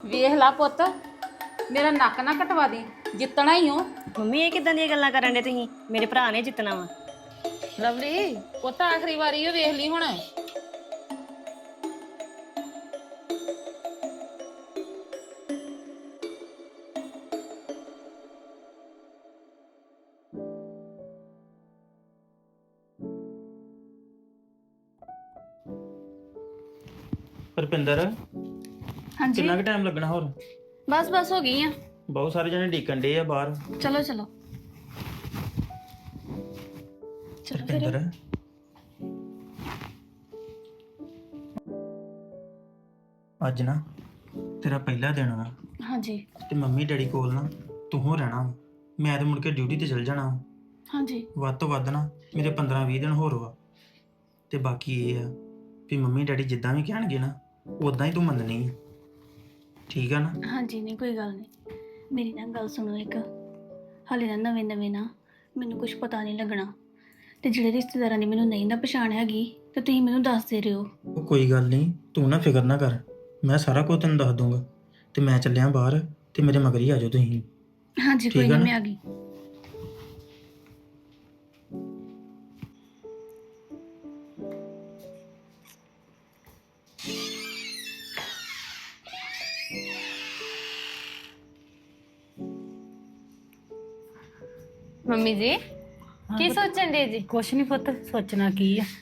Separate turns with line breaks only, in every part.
ਵੇਖ ਲਾ ਪੁੱਤ, ਮੇਰਾ ਨੱਕ ਨਾ ਕਟਵਾ ਦੇ, ਜਿੱਤਣਾ ਹੀ ਹੋ।
ਮੰਮੀ ਇਹ ਕਿਦਾਂ ਦੀਆਂ ਗੱਲਾਂ ਕਰਨ ਦੇ ਤੁਸੀਂ? ਮੇਰੇ ਭਰਾ ਨੇ ਜਿੱਤਣਾ ਵਾ।
ਲਵਲੀ ਪੁੱਤ ਆਖਰੀ ਵਾਰੀ ਉਹ ਵੇਖ ਲਈ ਹੁਣ।
ਰੁਪਿੰਦਰ
ਹਾਂਜੀ
ਕਿੰਨਾ ਕੁ ਟਾਈਮ ਲੱਗਣਾ ਹੋਰ?
ਬਸ ਹੋ ਗਈ ਆ।
ਬਹੁਤ ਸਾਰੇ ਜਣੇ ਡੀਕਣ ਡੇ ਆ ਬਾਹਰ।
ਚਲੋ ਚਲੋ
ਰੁਪਿੰਦਰ ਅੱਜ ਨਾ ਤੇਰਾ ਪਹਿਲਾ ਦਿਨ ਵਾ
ਹਾਂਜੀ
ਤੇ ਮੰਮੀ ਡੈਡੀ ਕੋਲ ਨਾ ਤੂੰ ਹੋ ਰਹਿਣਾ ਵਾ। ਮੈਂ ਤੇ ਮੁੜ ਕੇ ਡਿਊਟੀ ਤੇ ਚਲ ਜਾਣਾ ਵਾ।
ਹਾਂਜੀ
ਵੱਧ ਤੋਂ ਵੱਧ ਨਾ ਮੇਰੇ 15-20 ਦਿਨ ਹੋਰ ਵਾ। ਤੇ ਬਾਕੀ ਇਹ ਆ ਵੀ ਮੰਮੀ ਡੈਡੀ ਜਿੱਦਾਂ ਵੀ ਕਹਿਣਗੇ ਨਾ ਉਦਾਂ ਹੀ ਤੂੰ ਮੰਨਣੀ ਆ, ਠੀਕ ਆ ਨਾ?
ਹਾਂਜੀ ਨਹੀਂ ਕੋਈ ਗੱਲ ਨਹੀਂ। ਮੇਰੀ ਨਾ ਗੱਲ ਸੁਣੋ ਇੱਕ। ਹਾਲੇ ਨਾ ਨਵੇਂ ਨਵੇਂ ਨਾ ਮੈਨੂੰ ਕੁਝ ਪਤਾ ਨਹੀਂ ਲੱਗਣਾ, ਤੇ ਜਿਹੜੇ ਰਿਸ਼ਤੇਦਾਰਾਂ ਦੀ ਮੈਨੂੰ ਨਹੀਂ ਨਾ ਪਛਾਣ ਹੈਗੀ ਤੇ ਤੁਸੀਂ ਮੈਨੂੰ ਦੱਸ ਦੇ ਰਹੇ ਹੋ।
ਉਹ ਕੋਈ ਗੱਲ ਨਹੀਂ, ਤੂੰ ਨਾ ਫਿਕਰ ਨਾ ਕਰ, ਮੈਂ ਸਾਰਾ ਕੁਝ ਤੈਨੂੰ ਦੱਸ ਦੂੰਗਾ। ਤੇ ਮੈਂ ਚੱਲਿਆ ਬਾਹਰ ਤੇ ਮੇਰੇ ਮਗਰ ਹੀ ਆ ਜਾਓ ਤੁਸੀਂ।
ਹਾਂਜੀ ਕੋਈ
ਠੀਕ ਆ
ਨਹੀਂ,
ਨਾ?
ਮੈਂ ਆ ਗਈ।
ਮੰਮੀ ਜੀ ਕੀ ਸੋਚਣ ਦੇ ਜੀ?
ਕੁਛ ਨਹੀਂ ਪੁੱਤ, ਸੋਚਣਾ ਕੀ ਆ।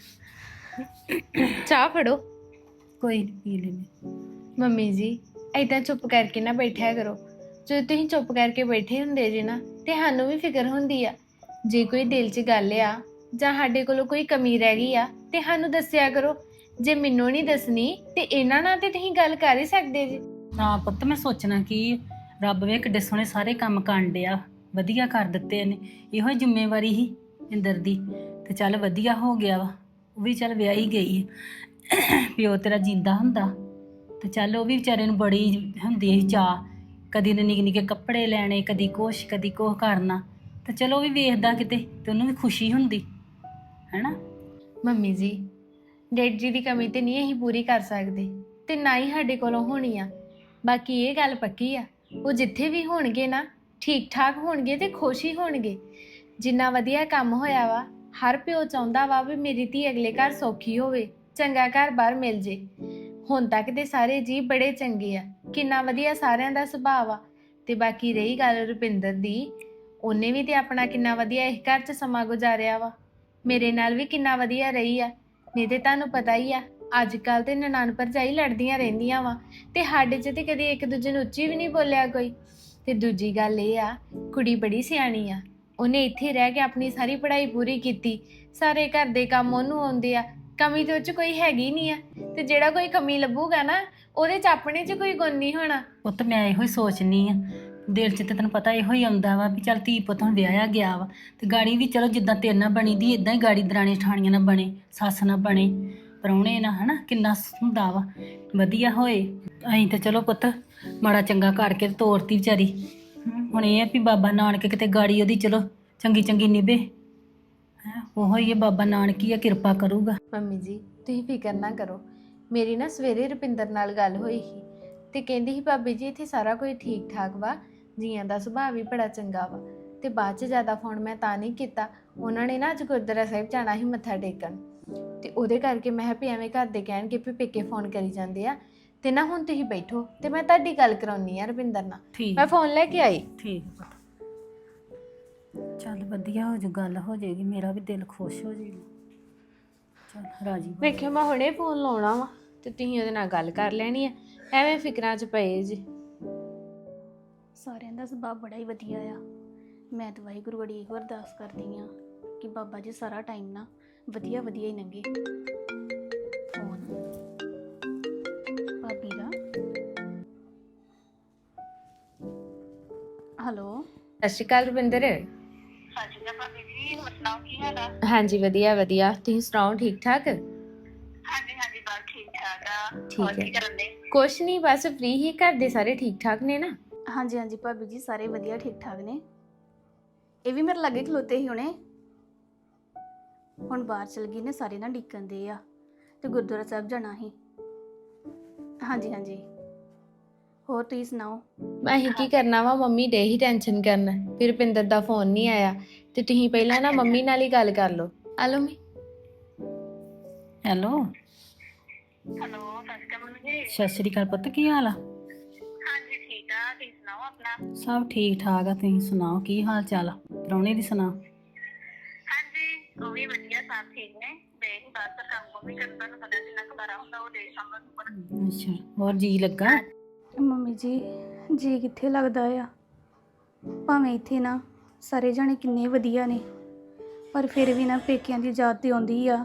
ਚਾਹ ਫੜੋ।
ਕੋਈ ਨੀ, ਪੀ ਲੈਨੇ।
ਮੰਮੀ ਜੀ ਏਦਾਂ ਚੁੱਪ ਕਰਕੇ ਨਾ ਬੈਠਿਆ ਕਰੋ। ਜਦੋਂ ਤੁਸੀਂ ਚੁੱਪ ਕਰਕੇ ਬੈਠੇ ਹੁੰਦੇ ਜੀ ਨਾ ਤੇ ਸਾਨੂੰ ਵੀ ਫਿਕਰ ਹੁੰਦੀ ਆ। ਜੇ ਕੋਈ ਦਿਲ 'ਚ ਗੱਲ ਆ ਜਾਂ ਸਾਡੇ ਕੋਲੋਂ ਕੋਈ ਕਮੀ ਰਹਿ ਗਈ ਆ ਤੇ ਸਾਨੂੰ ਦੱਸਿਆ ਕਰੋ। ਜੇ ਮੈਨੂੰ ਨਹੀਂ ਦੱਸਣੀ ਤੇ ਇਹਨਾਂ ਨਾਲ ਤੇ ਤੁਸੀਂ ਗੱਲ ਕਰ ਹੀ ਸਕਦੇ ਜੀ।
ਨਾ ਪੁੱਤ, ਮੈਂ ਸੋਚਣਾ ਕੀ ਆ? ਰੱਬ ਵੇ ਕਿੱਡੇ ਸੋਹਣੇ ਸਾਰੇ ਕੰਮ ਕਰਨ ਡਿਆ, ਵਧੀਆ ਕਰ ਦਿੱਤੇ ਨੇ। ਇਹੋ ਹੀ ਜ਼ਿੰਮੇਵਾਰੀ ਸੀ ਇੰਦਰ ਦੀ, ਤੇ ਚੱਲ ਵਧੀਆ ਹੋ ਗਿਆ ਵਾ। ਉਹ ਵੀ ਚੱਲ ਵਿਆਹੀ ਗਈ ਹੈ। ਪਿਓ ਤੇਰਾ ਜਿੰਦਾ ਹੁੰਦਾ ਤੇ ਚੱਲ ਉਹ ਵੀ ਵਿਚਾਰੇ ਨੂੰ ਬੜੀ ਹੁੰਦੀ ਸੀ ਚਾਅ, ਕਦੀ ਨੇ ਨਿੱਕੇ ਨਿੱਕੇ ਕੱਪੜੇ ਲੈਣੇ, ਕਦੀ ਕੁਛ ਕਰਨਾ। ਤੇ ਚਲੋ ਉਹ ਵੀ ਵੇਖਦਾ ਕਿਤੇ ਤੇ ਉਹਨੂੰ ਵੀ ਖੁਸ਼ੀ ਹੁੰਦੀ ਹੈਨਾ।
ਮੰਮੀ ਜੀ ਡੈਡ ਜੀ ਦੀ ਕਮੀ ਤੇ ਨਹੀਂ ਅਸੀਂ ਪੂਰੀ ਕਰ ਸਕਦੇ ਤੇ ਨਾ ਹੀ ਸਾਡੇ ਕੋਲੋਂ ਹੋਣੀ ਆ। ਬਾਕੀ ਇਹ ਗੱਲ ਪੱਕੀ ਆ, ਉਹ ਜਿੱਥੇ ਵੀ ਹੋਣਗੇ ਨਾ ਠੀਕ ਠਾਕ ਹੋਣਗੇ ਤੇ ਖੁਸ਼ ਹੀ ਹੋਣਗੇ। ਜਿੰਨਾ ਵਧੀਆ ਕੰਮ ਹੋਇਆ ਵਾ, ਹਰ ਪਿਓ ਚਾਹੁੰਦਾ ਵਾ ਵੀ ਮੇਰੀ ਧੀ ਅਗਲੇ ਘਰ ਸੌਖੀ ਹੋਵੇ, ਚੰਗਾ ਘਰ ਬਾਹਰ ਮਿਲ ਜੇ। ਹੁਣ ਤੱਕ ਤੇ ਸਾਰੇ ਜੀ ਬੜੇ ਚੰਗੇ ਆ, ਕਿੰਨਾ ਵਧੀਆ ਸਾਰਿਆਂ ਦਾ ਸੁਭਾਅ ਆ। ਤੇ ਬਾਕੀ ਰਹੀ ਗੱਲ ਰੁਪਿੰਦਰ ਦੀ, ਉਹਨੇ ਵੀ ਤੇ ਆਪਣਾ ਕਿੰਨਾ ਵਧੀਆ ਇਸ ਘਰ 'ਚ ਸਮਾਂ ਗੁਜ਼ਾਰਿਆ ਵਾ। ਮੇਰੇ ਨਾਲ ਵੀ ਕਿੰਨਾ ਵਧੀਆ ਰਹੀ ਆ। ਨਹੀਂ ਤੇ ਤੁਹਾਨੂੰ ਪਤਾ ਹੀ ਆ ਅੱਜ ਕੱਲ ਤੇ ਨਨਾਣ ਭਰਜਾਈ ਲੜਦੀਆਂ ਰਹਿੰਦੀਆਂ ਵਾ, ਤੇ ਸਾਡੇ 'ਚ ਤੇ ਕਦੇ ਇੱਕ ਦੂਜੇ ਨੂੰ ਉੱਚੀ ਵੀ ਨਹੀਂ ਬੋਲਿਆ ਕੋਈ। ਤੇ ਦੂਜੀ ਗੱਲ ਇਹ ਆ, ਕੁੜੀ ਬੜੀ ਸਿਆਣੀ ਆ। ਉਹਨੇ ਇੱਥੇ ਰਹਿ ਕੇ ਆਪਣੀ ਸਾਰੀ ਪੜ੍ਹਾਈ ਪੂਰੀ ਕੀਤੀ, ਸਾਰੇ ਘਰ ਦੇ ਕੰਮ ਉਹਨੂੰ ਆਉਂਦੇ ਆ, ਕਮੀ ਤੇ ਉਹ 'ਚ ਕੋਈ ਹੈਗੀ ਨਹੀਂ ਆ। ਤੇ ਜਿਹੜਾ ਕੋਈ ਕਮੀ ਲੱਭੂਗਾ ਨਾ ਉਹਦੇ 'ਚ ਆਪਣੇ 'ਚ ਕੋਈ ਗੁਣ ਨਹੀਂ ਹੋਣਾ।
ਪੁੱਤ ਮੈਂ ਇਹੋ ਹੀ ਸੋਚਨੀ ਆ, ਦਿਲ 'ਚ ਤੇ ਤੈਨੂੰ ਪਤਾ ਇਹੋ ਹੀ ਆਉਂਦਾ ਵਾ ਵੀ ਚੱਲ ਧੀ ਪੁੱਤ ਹੁਣ ਵਿਆਹਿਆ ਗਿਆ ਵਾ, ਤੇ ਗਾੜੀ ਵੀ ਚਲੋ ਜਿੱਦਾਂ ਤੇਰੇ ਨਾਲ ਬਣੀ ਦੀ ਇਦਾਂ ਹੀ ਗਾੜੀ ਦਰਾਣੀ ਠਾਣੀਆਂ ਨਾਲ ਬਣੇ, ਸੱਸ ਨਾਲ ਬਣੇ, ਪ੍ਰਾਹੁਣੇ ਨਾਲ, ਹਨਾ ਕਿੰਨਾ ਹੁੰਦਾ ਵਾ, ਵਧੀਆ ਹੋਏ। ਅਸੀਂ ਤੇ ਚਲੋ ਪੁੱਤ ਮਾੜਾ ਚੰਗਾ ਕਰਕੇ ਤੋਰਤੀ ਵਿਚਾਰੀ। ਹੁਣ ਇਹ ਆ ਵੀ ਬਾਬਾ ਨਾਨਕ ਕਿਤੇ ਗਾੜੀ ਉਹਦੀ ਚਲੋ ਚੰਗੀ ਚੰਗੀ ਨਿਭੇ ਹੈ। ਉਹੋ ਹੀ ਬਾਬਾ ਨਾਨਕ ਹੀ ਆ, ਕਿਰਪਾ ਕਰੂਗਾ।
ਮੰਮੀ ਜੀ ਤੁਸੀਂ ਫਿਕਰ ਨਾ ਕਰੋ। ਮੇਰੀ ਨਾ ਸਵੇਰੇ ਰੁਪਿੰਦਰ ਨਾਲ ਗੱਲ ਹੋਈ ਸੀ ਤੇ ਕਹਿੰਦੀ ਸੀ ਭਾਬੀ ਜੀ ਇੱਥੇ ਸਾਰਾ ਕੁਝ ਠੀਕ ਠਾਕ ਵਾ, ਜੀਆਂ ਦਾ ਸੁਭਾਅ ਵੀ ਬੜਾ ਚੰਗਾ ਵਾ। ਤੇ ਬਾਅਦ 'ਚ ਜ਼ਿਆਦਾ ਫੋਨ ਮੈਂ ਤਾਂ ਨਹੀਂ ਕੀਤਾ, ਉਹਨਾਂ ਨੇ ਨਾ ਅੱਜ ਗੁਰਦੁਆਰਾ ਸਾਹਿਬ ਜਾਣਾ ਸੀ ਮੱਥਾ ਟੇਕਣ, ਤੇ ਉਹਦੇ ਕਰਕੇ ਮੈਂ ਵੀ ਐਵੇਂ ਘਰ ਦੇ ਕਹਿਣਗੇ ਵੀ ਪੇਕੇ ਫੋਨ ਕਰੀ ਜਾਂਦੇ ਆ। ਤੇ ਨਾ ਹੁਣ ਤੁਸੀਂ ਬੈਠੋ ਤੇ ਮੈਂ ਤੁਹਾਡੀ ਗੱਲ ਕਰਾਉਣੀ ਆ ਰੁਪਿੰਦਰ ਨਾਲ।
ਠੀਕ
ਮੈਂ ਫੋਨ ਲੈ ਕੇ ਆਈ।
ਠੀਕ ਪੁੱਤ, ਚੱਲ ਵਧੀਆ ਹੋ ਜੂ, ਗੱਲ ਹੋ ਜਾਏਗੀ, ਮੇਰਾ ਵੀ ਦਿਲ ਖੁਸ਼ ਹੋ ਜਾਏਗਾ। ਚੱਲ ਰਾਜੀ ਬਣ।
ਵੇਖਿਓ ਮੈਂ ਹੁਣੇ ਫੋਨ ਲਾਉਣਾ ਵਾ ਤੇ ਤੁਸੀਂ ਉਹਦੇ ਨਾਲ ਗੱਲ ਕਰ ਲੈਣੀ ਆ, ਐਵੇਂ ਫਿਕਰਾਂ 'ਚ ਪਏ ਜੀ।
ਸਾਰਿਆਂ ਦਾ ਸੁਭਾਅ ਬੜਾ ਹੀ ਵਧੀਆ ਆ। ਮੈਂ ਤਾਂ ਵਾਹਿਗੁਰੂ ਗੜੀ ਇਹੋ ਅਰਦਾਸ ਕਰਦੀ ਆ ਕਿ ਬਾਬਾ ਜੀ ਸਾਰਾ ਟਾਈਮ ਨਾ ਵਧੀਆ ਵਧੀਆ ਹੀ ਲੰਘੇ। ਫੋਨ ਭਾਬੀ ਦਾ। ਹੈਲੋ
ਸਤਿ ਸ਼੍ਰੀ ਅਕਾਲ ਰੁਪਿੰਦਰ।
ਹਾਂਜੀ ਤਾਂ ਭਾਬੀ ਜੀ, ਹੋਰ ਸੁਣਾਓ ਕੀ ਹਾਲ ਆ?
ਹਾਂਜੀ ਵਧੀਆ ਵਧੀਆ, ਤੁਸੀਂ ਸੁਣਾਓ ਠੀਕ ਠਾਕ?
ਹਾਂਜੀ ਹਾਂਜੀ ਬਸ ਠੀਕ ਠਾਕ ਆ।
ਠੀਕ
ਹੋਰ
ਹੈ।
ਕੀ ਕਰਨ ਦੇ?
ਕੁਛ ਨਹੀਂ, ਬਸ ਫ੍ਰੀ ਹੀ। ਘਰ ਦੇ ਸਾਰੇ ਠੀਕ ਠਾਕ ਨੇ ਨਾ?
ਹਾਂਜੀ ਹਾਂਜੀ ਭਾਬੀ ਜੀ ਸਾਰੇ ਵਧੀਆ ਠੀਕ ਠਾਕ ਨੇ। ਇਹ ਵੀ ਮੇਰੇ ਲਾਗੇ ਖਲੋਤੇ ਸੀ ਹੁਣੇ, ਹੁਣ ਬਾਹਰ ਚਲ ਗਏ ਨੇ, ਸਾਰੇ ਨਾ ਡਿੱਕਣ ਦੇ ਆ ਤੇ ਗੁਰਦੁਆਰਾ ਸਾਹਿਬ ਜਾਣਾ ਸੀ। ਹਾਂਜੀ ਹਾਂਜੀ ਹੋਰ ਤੁਸੀਂ ਸੁਣਾਓ?
ਅਸੀਂ ਕੀ ਕਰਨਾ ਵਾ, ਮੰਮੀ ਡੇ ਹੀ ਟੈਨਸ਼ਨ ਕਰਨ, ਫਿਰ ਰੁਪਿੰਦਰ ਦਾ ਫੋਨ ਨਹੀਂ ਆਇਆ ਤੇ ਤੁਸੀਂ ਪਹਿਲਾਂ ਨਾ ਮੰਮੀ ਨਾਲ ਹੀ ਗੱਲ ਕਰ ਲਓ। ਆ ਲਓ ਮੰਮੀ।
ਹੈਲੋ,
ਹੈਲੋ ਸਤਿ ਸ਼੍ਰੀ ਅਕਾਲ ਮੰਮੀ ਜੀ।
ਸਤਿ ਸ਼੍ਰੀ ਅਕਾਲ ਪੁੱਤ, ਕੀ ਹਾਲ ਆ?
ਹਾਂਜੀ ਠੀਕ ਆ, ਤੁਸੀਂ ਸੁਣਾਓ ਆਪਣਾ?
ਸਭ ਠੀਕ ਠਾਕ ਆ, ਤੁਸੀਂ ਸੁਣਾਓ ਕੀ ਹਾਲ ਚਾਲ ਆ? ਪ੍ਰਾਹੁਣੇ ਦੀ ਸੁਣਾ।
ਹਾਂਜੀ ਉਹ ਵੀ ਵਧੀਆ, ਸਭ ਠੀਕ ਨੇ। ਦੇ ਬਸ ਕੰਮ ਵੀ ਕਰਨ, ਤੁਹਾਨੂੰ ਪਤਾ ਜਿੰਨਾ ਖਬਰਾਂ ਹੁੰਦਾ ਉਹ ਦੇ ਸਾਹਮਣੇ ਉੱਪਰ।
ਅੱਛਾ, ਹੋਰ ਜੀ ਲੱਗਾ?
ਮੰਮੀ ਜੀ ਕਿੱਥੇ ਲੱਗਦਾ ਆ? ਭਾਵੇਂ ਇੱਥੇ ਨਾ ਸਾਰੇ ਜਾਣੇ ਕਿੰਨੇ ਵਧੀਆ ਨੇ, ਪਰ ਫਿਰ ਵੀ ਨਾ ਪੇਕਿਆਂ ਦੀ ਯਾਦ ਤੇ ਆਉਂਦੀ ਆ।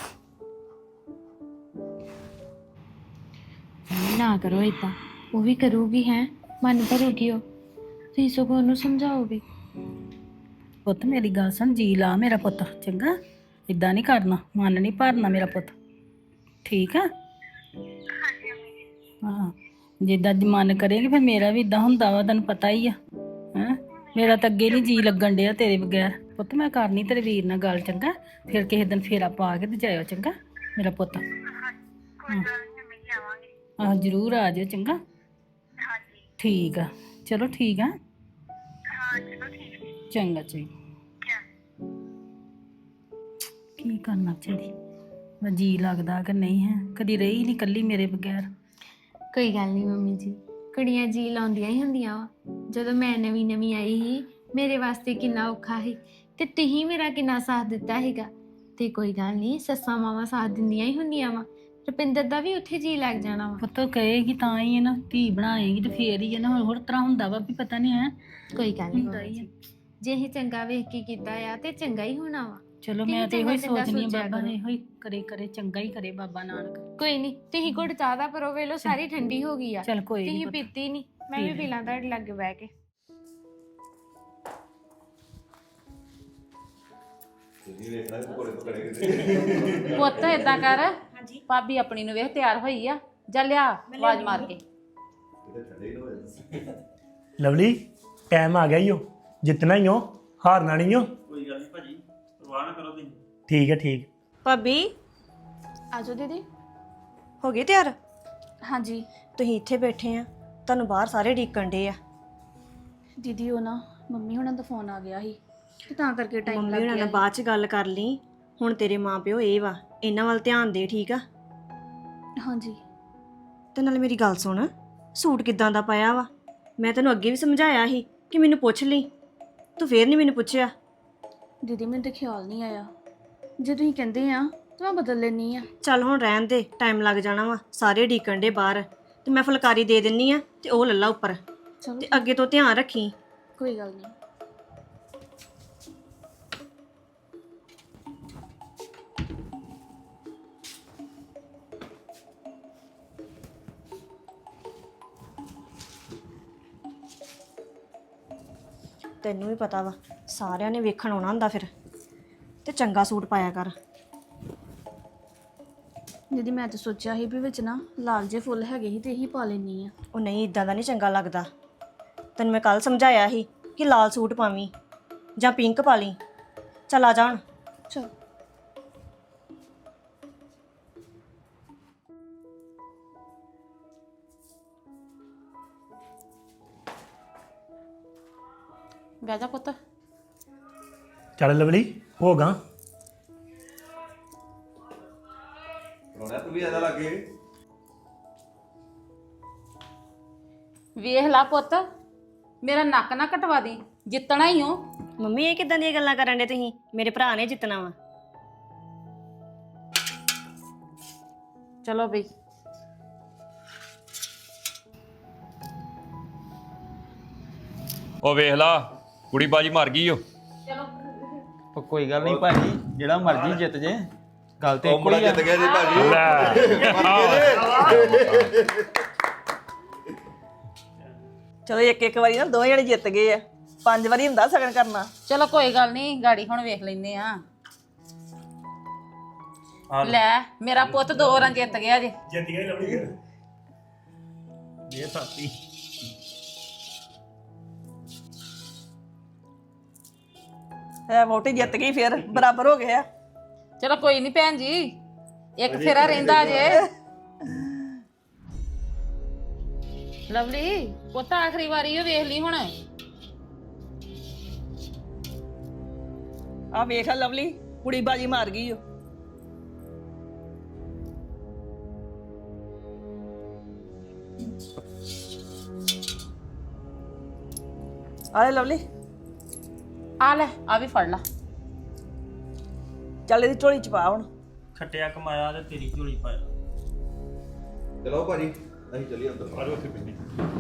ਨਾ ਕਰੋ ਏਦਾਂ, ਉਹ ਵੀ ਕਰੂਗੀ। ਹੈ ਮਨ ਭਰੂਗੀ ਉਹ, ਤੁਸੀਂ ਸਗੋਂ ਉਹਨੂੰ ਸਮਝਾਓਗੇ।
ਪੁੱਤ ਮੇਰੀ ਗੱਲ ਸੁਣ, ਜੀ ਲਾ ਮੇਰਾ ਪੁੱਤ, ਚੰਗਾ? ਇਦਾਂ ਨਹੀਂ ਕਰਨਾ, ਮਨ ਨਹੀਂ ਭਰਨਾ ਮੇਰਾ ਪੁੱਤ, ਠੀਕ ਆ?
ਹਾਂਜੀ ਮੰਮੀ ਜੀ।
ਹਾਂ, ਜਿੱਦਾਂ ਦੀ ਮਨ ਕਰੇਗੀ ਫਿਰ ਮੇਰਾ ਵੀ ਇਦਾਂ ਹੁੰਦਾ ਵਾ, ਤੈਨੂੰ ਪਤਾ ਹੀ ਆ। ਹੈਂ, ਮੇਰਾ ਤਾਂ ਅੱਗੇ ਨਹੀਂ ਜੀ ਲੱਗਣ ਡਿਆ ਤੇਰੇ ਬਗੈਰ। ਪੁੱਤ ਮੈਂ ਕਰਨੀ ਤੇਰੇ ਵੀਰ ਨਾਲ ਗੱਲ, ਚੰਗਾ? ਫਿਰ ਕਿਸੇ ਦਿਨ ਫੇਰਾ ਪਾ ਕੇ ਤੇ ਜਾਇਓ, ਚੰਗਾ ਮੇਰਾ ਪੁੱਤ?
ਕੋਈ ਗੱਲ ਨਹੀਂ ਮੰਮੀ ਜੀ, ਆਵਾਂਗੇ।
ਆਹ ਜ਼ਰੂਰ ਆ ਜਾਇਓ, ਚੰਗਾ?
ਹਾਂਜੀ
ਠੀਕ ਆ, ਚਲੋ ਠੀਕ ਆ,
ਹਾਂ ਚਲੋ ਠੀਕ ਹੈ।
ਚੰਗਾ ਚੰਗਾ। ਕੀ ਕਰਨਾ ਚਾਹੀਦੀ, ਮੈਂ ਜੀ ਲੱਗਦਾ ਕਿ ਨਹੀਂ ਹੈ, ਕਦੀ ਰਹੀ ਨਹੀਂ ਕੱਲੀ ਮੇਰੇ ਬਗੈਰ।
ਕੋਈ ਗੱਲ ਨਹੀਂ ਮੰਮੀ ਜੀ, ਕੁੜੀਆਂ ਜੀ ਲਾਉਂਦੀਆਂ ਹੀ ਹੁੰਦੀਆਂ ਵਾ। ਜਦੋਂ ਮੈਂ ਨਵੀਂ ਆਈ ਸੀ, ਮੇਰੇ ਵਾਸਤੇ ਕਿੰਨਾ ਔਖਾ ਸੀ ਤੇ ਤੁਸੀਂ ਮੇਰਾ ਕਿੰਨਾ ਸਾਥ ਦਿੱਤਾ ਹੈਗਾ। ਤੇ ਕੋਈ ਗੱਲ ਨਹੀਂ, ਸੱਸਾਂ ਮਾਵਾਂ ਸਾਥ ਦਿੰਦੀਆਂ ਹੀ ਹੁੰਦੀਆਂ ਵਾ। ਰੁਪਿੰਦਰ ਦਾ ਵੀ ਉੱਥੇ ਜੀ ਲੱਗ ਜਾਣਾ ਵਾ।
ਪੁੱਤ ਕਹੇਗੀ ਤਾਂ ਹੀ ਹੈ ਨਾ, ਧੀ ਬਣਾਏਗੀ ਤੇ ਫੇਰ ਹੀ ਹੈ ਨਾ, ਹੋਰ ਤਰ੍ਹਾਂ ਹੁੰਦਾ ਵਾ ਵੀ ਪਤਾ ਨਹੀਂ ਹੈ।
ਕੋਈ ਗੱਲ ਨਹੀਂ
ਹੁੰਦਾ ਹੀ
ਮੰਮੀ
ਆ।
ਜੀ, ਜੇ ਇਹ ਚੰਗਾ ਵੇਖ ਕੇ ਕੀਤਾ ਆ ਤੇ ਚੰਗਾ ਹੀ ਹੋਣਾ ਵਾ।
ਚਲੋ
ਤੁਸੀਂ
ਮੈਂ ਤੇ ਇਹੋ ਹੀ
ਚੰਗਾ
ਸੋਚਨੀ ਆ,
ਸੋਚਿਆ
ਬਾਬਾ
ਕਰੋ।
ਇਹੋ ਹੀ ਕਰੇ ਚੰਗਾ ਹੀ ਕਰੇ ਬਾਬਾ ਨਾਨਕ।
ਕੋਈ ਨਹੀਂ, ਤੁਸੀਂ ਘੁੱਟ ਚਾਹ ਦਾ ਪਰੋ, ਵੇਲੋ ਸਾਰੀ ਠੰਡੀ ਹੋ ਗਈ ਆ।
ਚੱਲ ਕੋਈ
ਤੁਸੀਂ
ਨਹੀਂ,
ਪੀਤੀ ਨਹੀਂ, ਮੈਂ ਵੀ
ਪੀ
ਪੀ ਲਾਂ ਤੁਹਾਡੇ ਲਾਗੇ ਬਹਿ ਕੇ।
ਪੁੱਤ ਏਦਾਂ ਕਰ, ਭਾਬੀ ਆਪਣੀ ਨੂੰ ਵੇਖ ਤਿਆਰ ਹੋਈ ਆ, ਜਾ ਲਿਆ ਆਵਾਜ਼ ਮਾਰ ਕੇ।
ਲਵਲੀ ਟਾਈਮ ਆ ਗਿਆ ਈ ਓ, ਜਿੱਤਣਾ ਹੀ ਓ, ਹਾਰਨਾ ਨਹੀਂ ਓ।
ਕੋਈ ਗੱਲ ਨਹੀਂ ਭਾਜੀ, ਪਰਵਾਹ ਨਾ ਕਰੋ ਤੁਸੀਂ।
ਠੀਕ ਹੈ ਠੀਕ।
ਭਾਬੀ
ਆਜੋ ਦੀਦੀ।
ਹੋ ਗਏ ਤਿਆਰ?
ਹਾਂਜੀ
ਤੁਸੀਂ ਇੱਥੇ ਬੈਠੇ ਆ, ਤੁਹਾਨੂੰ ਬਾਹਰ ਸਾਰੇ ਢੀਕਣ ਡੇ ਆ।
ਦੀਦੀ ਉਹ ਨਾ ਮੰਮੀ ਹੁਣਾਂ ਦਾ ਫੋਨ ਆ ਗਿਆ ਸੀ ਤੇ ਤਾਂ ਕਰਕੇ ਟਾਈਮ
ਮੰਮੀ
ਲੱਗ
ਹੁਣਾਂ
ਗਿਆ
ਨਾਲ ਬਾਅਦ ਚ ਗੱਲ ਕਰ ਲਈ। ਹੁਣ ਤੇਰੇ ਮਾਪਿਓ ਇਹ ਵਾ, ਇਹਨਾਂ ਵੱਲ ਧਿਆਨ ਦੇ, ਠੀਕ ਆ?
ਸੀ। ਹਾਂਜੀ
ਤੇ ਨਾਲ ਮੇਰੀ ਗੱਲ ਸੁਣ, ਸੂਟ ਕਿੱਦਾਂ ਦਾ ਪਾਇਆ ਵਾ? ਮੈਂ ਤੈਨੂੰ ਅੱਗੇ ਵੀ ਸਮਝਾਇਆ ਸੀ ਕਿ ਮੈਨੂੰ ਪੁੱਛ ਲਈ, ਤੂੰ ਫੇਰ ਨਹੀਂ ਮੈਨੂੰ ਪੁੱਛਿਆ।
ਦੀਦੀ ਮੈਨੂੰ ਤਾਂ ਖਿਆਲ ਨਹੀਂ ਆਇਆ, ਜੇ ਤੁਸੀਂ ਕਹਿੰਦੇ ਆ ਤਾਂ ਮੈਂ ਬਦਲ ਲੈਣੀ ਆ।
ਚੱਲ ਹੁਣ ਰਹਿਣ ਦੇ, ਟਾਈਮ ਲੱਗ ਜਾਣਾ ਵਾ, ਸਾਰੇ ਢੀਕਣ ਡੇ ਬਾਹਰ। ਤੇ ਮੈਂ ਫੁਲਕਾਰੀ ਦੇ ਦਿੰਨੀ ਆ ਤੇ ਉਹ ਲੱਲਾ ਉੱਪਰ,
ਚਲੋ
ਤੇ ਅੱਗੇ ਤੋਂ ਧਿਆਨ ਰੱਖੀ।
ਕੋਈ ਗੱਲ ਨਹੀਂ।
ਤੈਨੂੰ ਵੀ ਪਤਾ ਵਾ, ਸਾਰਿਆਂ ਨੇ ਵੇਖਣ ਆਉਣਾ ਹੁੰਦਾ ਫਿਰ, ਤੇ ਚੰਗਾ ਸੂਟ ਪਾਇਆ ਕਰ।
ਦੀਦੀ ਮੈਂ ਤਾਂ ਸੋਚਿਆ ਸੀ ਵੀ ਵਿੱਚ ਨਾ ਲਾਲ ਜੇ ਫੁੱਲ ਹੈਗੇ ਸੀ ਤੇ ਇਹੀ ਪਾ ਲੈਣੀ ਆ।
ਉਹ ਨਹੀਂ, ਇਦਾਂ ਦਾ ਨਹੀਂ ਚੰਗਾ ਲੱਗਦਾ। ਤੈਨੂੰ ਮੈਂ ਕੱਲ ਸਮਝਾਇਆ ਸੀ ਕਿ ਲਾਲ ਸੂਟ ਪਾਵੀਂ ਜਾਂ ਪਿੰਕ ਪਾ ਲਈ। ਚੱਲ ਆ ਜਾਣ।
ਚਲ
ਬਹਿ ਜਾ ਪੁੱਤ।
ਚੱਲ ਲਵਲੀ ਹੋ ਗਾ।
ਵੇਖ ਲਾ ਪੁੱਤ, ਮੇਰਾ ਨੱਕ ਨਾ ਕਟਵਾ ਦੀ, ਜਿੱਤਣਾ ਹੀ ਹੋ।
ਮੰਮੀ ਇਹ ਕਿੱਦਾਂ ਦੀਆਂ ਗੱਲਾਂ ਕਰਨ ਡੇ ਤੁਸੀਂ? ਮੇਰੇ ਭਰਾ ਨੇ ਜਿੱਤਣਾ ਵਾ।
ਚਲੋ ਬਈ।
ਉਹ ਵੇਖ ਲਾ, ਕੁੜੀ ਬਾਜੀ ਮਰ ਗਈ ਓ।
ਉਹ ਕੋਈ ਗੱਲ ਨਹੀਂ ਭਾਜੀ, ਜਿਹੜਾ ਮਰਜ਼ੀ ਜਿੱਤ ਜੇ, ਗੱਲ ਤੇ
ਉਹ
ਇੱਕੋ
ਮੁੰਡਾ
ਹੀ ਆ।
ਜਿੱਤ ਗਿਆ ਜੀ ਭਾਜੀ।
ਚਲੋ ਇੱਕ ਵਾਰੀ ਨਾ ਦੋਵੇਂ ਜਣੇ ਜਿੱਤ ਗਏ ਆ, 5 ਵਾਰੀ ਹੁੰਦਾ ਸਗਨ ਕਰਨਾ।
ਚਲੋ ਕੋਈ ਗੱਲ ਨਹੀਂ, ਗਾੜੀ ਹੁਣ ਵੇਖ ਲੈਨੇ ਆ। ਲੈ ਮੇਰਾ ਪੁੱਤ 2 ਵਾਰਾਂ ਜਿੱਤ ਗਿਆ ਜੇ।
ਜਿੱਤ ਗਏ ਲਵਲੀ ਫਿਰ। ਇਹ ਸਾਥੀ
ਹੈ ਵੋਟੀ ਜਿੱਤ ਗਈ, ਫਿਰ ਬਰਾਬਰ ਹੋ ਗਿਆ।
ਚਲੋ ਕੋਈ ਨਹੀਂ ਭੈਣ ਜੀ, ਇੱਕ ਫੇਰਾ ਰਹਿੰਦਾ ਜੇ। ਲਵਲੀ ਪੁੱਤ ਆਖਰੀ ਵਾਰੀ ਉਹ ਵੇਖ ਲਈ ਹੁਣ।
ਆ ਵੇਖ ਆ ਲਵਲੀ ਕੁੜੀ ਬਾਜੀ ਮਾਰ ਗਈ ਓ। ਆ ਲੈ ਲਵਲੀ,
ਆ ਲੈ ਆ ਵੀ ਫੜ ਲਾ।
ਚੱਲ ਇਹਦੀ ਝੋਲੀ ਚ ਪਾ ਹੁਣ।
ਖੱਟਿਆ ਕਮਾਇਆ ਤੇ ਤੇਰੀ ਝੋਲੀ ਪਾਇਆ।
ਚਲੋ ਭਾਜੀ ਅਸੀਂ ਚੱਲੀਏ ਅੰਦਰ
ਆਜੋ ਉੱਥੇ ਬਿੰਦੀ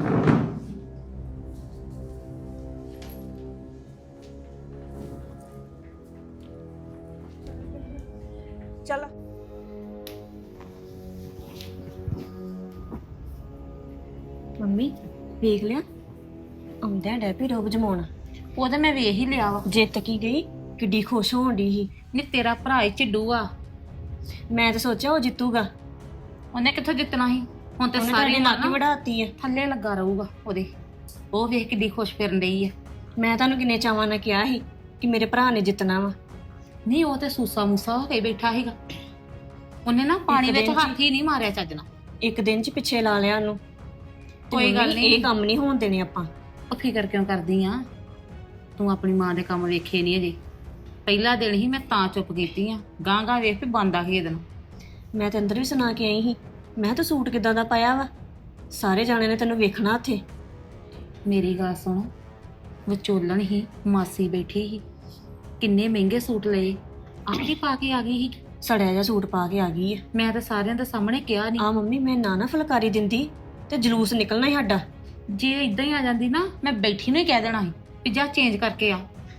ਚੱਲ
ਮੰਮੀ ਵੇਖ ਲਿਆ ਆਉਂਦਿਆਂ ਡੈਪੀ ਰੋਬ ਜਮਾਉਣਾ।
ਉਹ ਤਾਂ ਮੈਂ ਵੇਖ ਹੀ ਲਿਆ ਵਾ।
ਜਿੱਤ ਕੀ ਗਈ ਕਿੱਡੀ ਖੁਸ਼ ਹੋਣ ਦੀ ਸੀ।
ਨੀ ਤੇਰਾ ਭਰਾ ਹੀ ਝਿੱਡੂ ਆ।
ਮੈਂ ਤਾਂ ਸੋਚਿਆ ਉਹ ਜਿੱਤੂਗਾ।
ਉਹਨੇ ਕਿੱਥੋਂ ਜਿੱਤਣਾ ਸੀ? ਹੁਣ ਤੇ
ਉਹਨੇ
ਸਾਰੀ
ਤੁਹਾਡੀ ਨੱਕ ਵੜਾਤੀ ਆ।
ਥੱਲੇ ਲੱਗਾ ਰਹੂਗਾ ਉਹਦੇ। ਉਹ ਵੇਖ ਕਿੱਡੀ ਖੁਸ਼ ਫਿਰਨ ਡਈ ਆ।
ਮੈਂ ਤੁਹਾਨੂੰ ਕਿੰਨੇ ਚਾਵਾਂ ਨਾਲ ਕਿਹਾ ਸੀ ਕਿ ਮੇਰੇ ਭਰਾ ਨੇ ਜਿੱਤਣਾ ਵਾ।
ਨਹੀਂ ਉਹ ਤੇ ਸੂਸਾ ਮੂਸਾ ਹੋ ਕੇ ਬੈਠਾ ਸੀਗਾ। ਉਹਨੇ ਨਾ ਪਾਣੀ ਵਿੱਚ
ਦਿਨ 'ਚ
ਹੱਥ ਹੀ ਨਹੀਂ ਮਾਰਿਆ ਚੱਜ ਨਾਲ।
ਇੱਕ ਦਿਨ ਚ ਪਿੱਛੇ ਲਾ ਲਿਆ ਉਹਨੂੰ। ਤੇ
ਕੋਈ ਗੱਲ
ਮੰਮੀ,
ਨਹੀਂ।
ਇਹ ਕੰਮ ਨਹੀਂ ਹੋਣ ਦੇਣੇ ਆਪਾਂ।
ਉਹ ਫਿਕਰ ਕਿਉਂ ਕਰਦੀ ਆ? ਤੂੰ ਆਪਣੀ ਮਾਂ ਦੇ ਕੰਮ ਵੇਖੇ ਨਹੀਂ ਅਜੇ। ਪਹਿਲਾ ਦਿਨ ਹੀ ਮੈਂ ਤਾਂ ਚੁੱਪ ਕੀਤੀ ਆ। ਗਾਂ ਗਾਂ ਵੇਖ ਵੀ ਬੰਦ ਆ ਖੇਦ ਨੂੰ।
ਮੈਂ ਤੇ ਅੰਦਰ ਵੀ ਸੁਣਾ ਕੇ ਆਈ ਸੀ। ਮੈਂ ਤਾਂ ਸੂਟ ਕਿਦਾਂ ਦਾ ਪਾਇਆ ਵਾ, ਸਾਰੇ ਜਾਣੇ ਨੇ ਤੈਨੂੰ ਵੇਖਣਾ ਉੱਥੇ।
ਮੇਰੀ ਗੱਲ ਸੁਣ, ਵਿਚੋਲਣ ਹੀ ਮਾਸੀ ਬੈਠੀ ਸੀ, ਕਿੰਨੇ ਮਹਿੰਗੇ ਸੂਟ ਲਏ, ਆਪ ਹੀ ਪਾ ਕੇ ਆ ਗਈ ਸੀ।
ਸੜਿਆ ਜਿਹਾ ਸੂਟ ਪਾ ਕੇ ਆ ਗਈ ਆ।
ਮੈਂ ਤਾਂ ਸਾਰਿਆਂ ਦੇ ਸਾਹਮਣੇ ਕਿਹਾ ਨਹੀਂ।
ਆ ਮੰਮੀ, ਮੈਂ ਨਾ ਫੁਲਕਾਰੀ ਦਿੰਦੀ ਤੇ ਜਲੂਸ ਨਿਕਲਣਾ ਹੀ ਸਾਡਾ।
ਜੇ ਇਦਾਂ ਹੀ ਆ ਜਾਂਦੀ ਨਾ, ਮੈਂ ਬੈਠੀ ਨੂੰ ਹੀ ਕਹਿ ਦੇਣਾ ਸੀ ਵੀ ਜਾ ਚੇਂਜ ਕਰਕੇ ਆ।